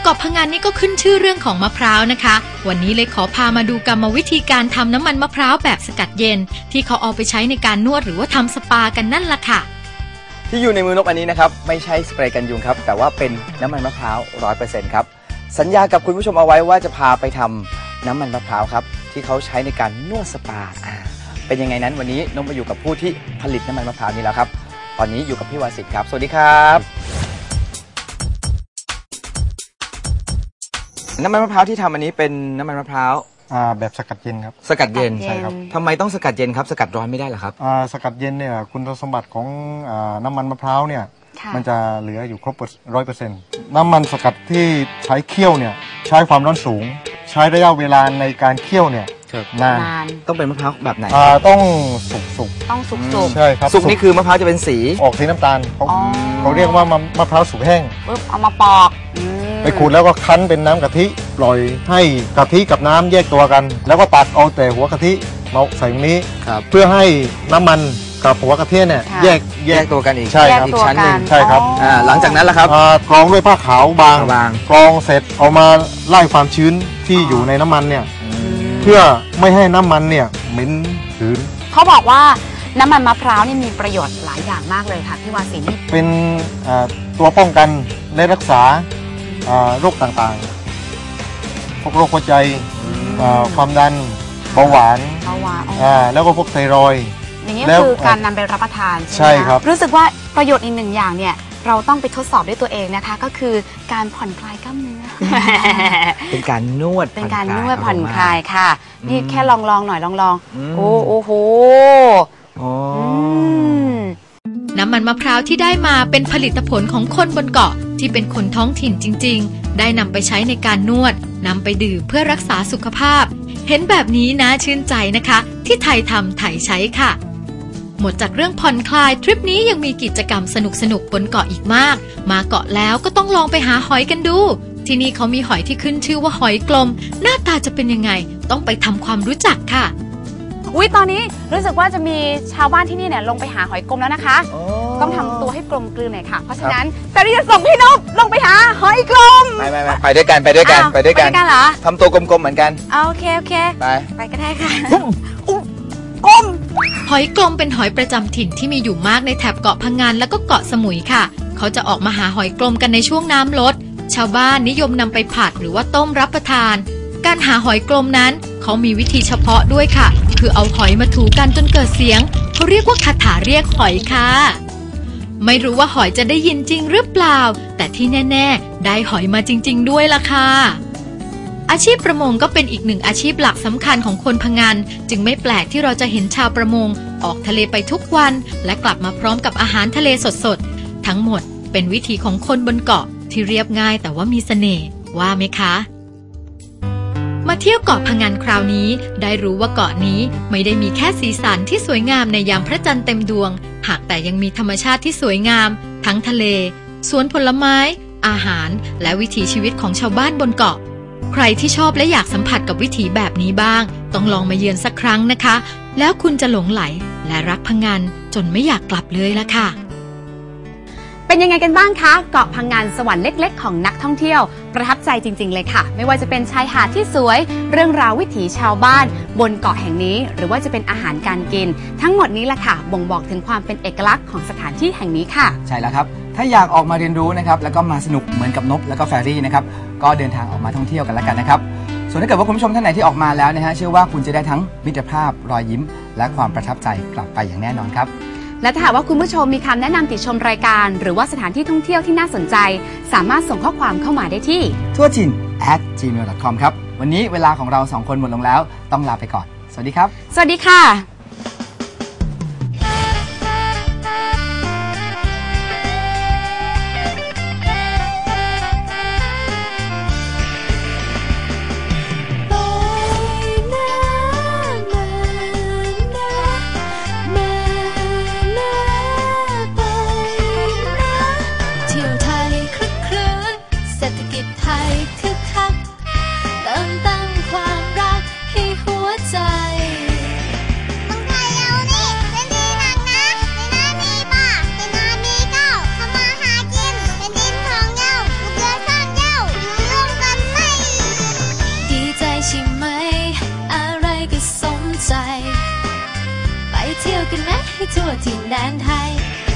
เกาะพะงันนี่ก็ขึ้นชื่อเรื่องของมะพร้าวนะคะวันนี้เลยขอพามาดูกรรมวิธีการทำน้ำมันมะพร้าวแบบสกัดเย็นที่เขาเอาไปใช้ในการนวดหรือว่าทำสปากันนั่นล่ะค่ะที่อยู่ในมือนกอันนี้นะครับไม่ใช่สเปรย์กันยุงครับแต่ว่าเป็นน้ำมันมะพร้าว 100% ครับสัญญากับคุณผู้ชมเอาไว้ว่าจะพาไปทำน้ำมันมะพร้าวครับที่เขาใช้ในการนวดสปาเป็นยังไงนั้นวันนี้นกมาอยู่กับผู้ที่ผลิตน้ำมันมะพร้าวนี้แล้วครับตอนนี้อยู่กับพี่วาสิทธิ์ครับสวัสดีครับน้ำมันมะพร้าวที่ทำอันนี้เป็นน้ำมันมะพร้าวแบบสกัดเย็นครับสกัดเย็นใช่ครับทำไมต้องสกัดเย็นครับสกัดร้อนไม่ได้หรอครับสกัดเย็นเนี่ยคุณสมบัติของน้ำมันมะพร้าวเนี่ยมันจะเหลืออยู่ครบ 100% น้ำมันสกัดที่ใช้เคี่ยวเนี่ยใช้ความร้อนสูงใช้ระยะเวลาในการเคี่ยวเนี่ยนานต้องเป็นมะพร้าวแบบไหนต้องสุกต้องสุกใช่ครับสุกนี่คือมะพร้าวจะเป็นสีออกสีน้ำตาลเขาเรียกว่ามะพร้าวสุกแห้งปุ๊บเอามาปอกไปขูดแล้วก็คั้นเป็นน้ำกะทิปล่อยให้กะทิกับน้ำแยกตัวกันแล้วก็ตักเอาแต่หัวกะทิมาใส่ตรงนี้เพื่อให้น้ำมันกับหัวกะทิเนี่ยแยกตัวกันอีกใช่ครับอีกชั้นหนึ่งใช่ครับหลังจากนั้นล่ะครับกรองด้วยผ้าขาวบางกรองเสร็จเอามาไล่ความชื้นที่อยู่ในน้ำมันเนี่ยเพื่อไม่ให้น้ำมันเนี่ยเหม็นหืนเขาบอกว่าน้ำมันมะพร้าวนี่มีประโยชน์หลายอย่างมากเลยค่ะพี่วาสินเป็นตัวป้องกันและรักษาโรคต่างๆพวกโรคหัวใจความดันเบาหวานแล้วก็พวกไทรอยด์อย่างนี้คือการนำไปรับประทานใช่ครับรู้สึกว่าประโยชน์อีกหนึ่งอย่างเนี่ยเราต้องไปทดสอบด้วยตัวเองนะคะก็คือการผ่อนคลายกล้ามเนื้อเป็นการนวดผ่อนคลายค่ะนี่แค่ลองหน่อยลองโอ้โหน้ำมันมะพร้าวที่ได้มาเป็นผลิตผลของคนบนเกาะที่เป็นคนท้องถิ่นจริงๆได้นำไปใช้ในการนวดนำไปดื่มเพื่อรักษาสุขภาพเห็นแบบนี้นะชื่นใจนะคะที่ไทยทำไทยใช้ค่ะหมดจากเรื่องผ่อนคลายทริปนี้ยังมีกิจกรรมสนุกๆบนเกาะอีกมากมาเกาะแล้วก็ต้องลองไปหาหอยกันดูที่นี่เขามีหอยที่ขึ้นชื่อว่าหอยกลมหน้าตาจะเป็นยังไงต้องไปทำความรู้จักค่ะตอนนี้รู้สึกว่าจะมีชาวบ้านที่นี่เนี่ยลงไปหาหอยกลมแล้วนะคะต้องทำตัวให้กลมกลืนหน่อยค่ะเพราะฉะนั้นแต่เราจะส่งพี่นพลงไปหาหอยกลมไม่ไปด้วยกันเหรอทำตัวกลมๆเหมือนกันโอเคไปก็ได้ค่ะกลมหอยกลมเป็นหอยประจำถิ่นที่มีอยู่มากในแถบเกาะพะงันแล้วก็เกาะสมุยค่ะเขาจะออกมาหาหอยกลมกันในช่วงน้ำลดชาวบ้านนิยมนำไปผัดหรือว่าต้มรับประทานการหาหอยกลมนั้นเขามีวิธีเฉพาะด้วยค่ะคือเอาหอยมาถูกันจนเกิดเสียงเขาเรียกว่าคาถาเรียกหอยค่ะไม่รู้ว่าหอยจะได้ยินจริงหรือเปล่าแต่ที่แน่ๆได้หอยมาจริงๆด้วยล่ะค่ะอาชีพประมงก็เป็นอีกหนึ่งอาชีพหลักสำคัญของคนพะงันจึงไม่แปลกที่เราจะเห็นชาวประมงออกทะเลไปทุกวันและกลับมาพร้อมกับอาหารทะเลสดๆทั้งหมดเป็นวิถีของคนบนเกาะที่เรียบง่ายแต่ว่ามีเสน่ห์ว่าไหมคะมาเที่ยวเกาะพะงันคราวนี้ได้รู้ว่าเกาะนี้ไม่ได้มีแค่สีสันที่สวยงามในยามพระจันทร์เต็มดวงหากแต่ยังมีธรรมชาติที่สวยงามทั้งทะเลสวนผลไม้อาหารและวิถีชีวิตของชาวบ้านบนเกาะใครที่ชอบและอยากสัมผัสกับวิถีแบบนี้บ้างต้องลองมาเยือนสักครั้งนะคะแล้วคุณจะหลงไหลและรักพะงันจนไม่อยากกลับเลยละค่ะเป็นยังไงกันบ้างคะเกาะพะงันสวรรค์เล็กๆของนักท่องเที่ยวประทับใจจริงๆเลยค่ะไม่ว่าจะเป็นชายหาดที่สวยเรื่องราววิถีชาวบ้านบนเกาะแห่งนี้หรือว่าจะเป็นอาหารการกินทั้งหมดนี้แหละค่ะบ่งบอกถึงความเป็นเอกลักษณ์ของสถานที่แห่งนี้ค่ะใช่แล้วครับถ้าอยากออกมาเรียนรู้นะครับแล้วก็มาสนุกเหมือนกับนพแล้วก็แฟรี่นะครับก็เดินทางออกมาท่องเที่ยวกันแล้วกันนะครับส่วนถ้าเกิดว่าคุณผู้ชมท่านไหนที่ออกมาแล้วนะฮะเชื่อว่าคุณจะได้ทั้งมิตรภาพรอยยิ้มและความประทับใจกลับไปอย่างแน่นอนครับและถ้าหากว่าคุณผู้ชมมีคำแนะนำติชมรายการหรือว่าสถานที่ท่องเที่ยวที่น่าสนใจสามารถส่งข้อความเข้ามาได้ที่ทั่วจิน @gmail.com ครับวันนี้เวลาของเรา2คนหมดลงแล้วต้องลาไปก่อนสวัสดีครับสวัสดีค่ะให้ทั่วถิ่นแดนไทย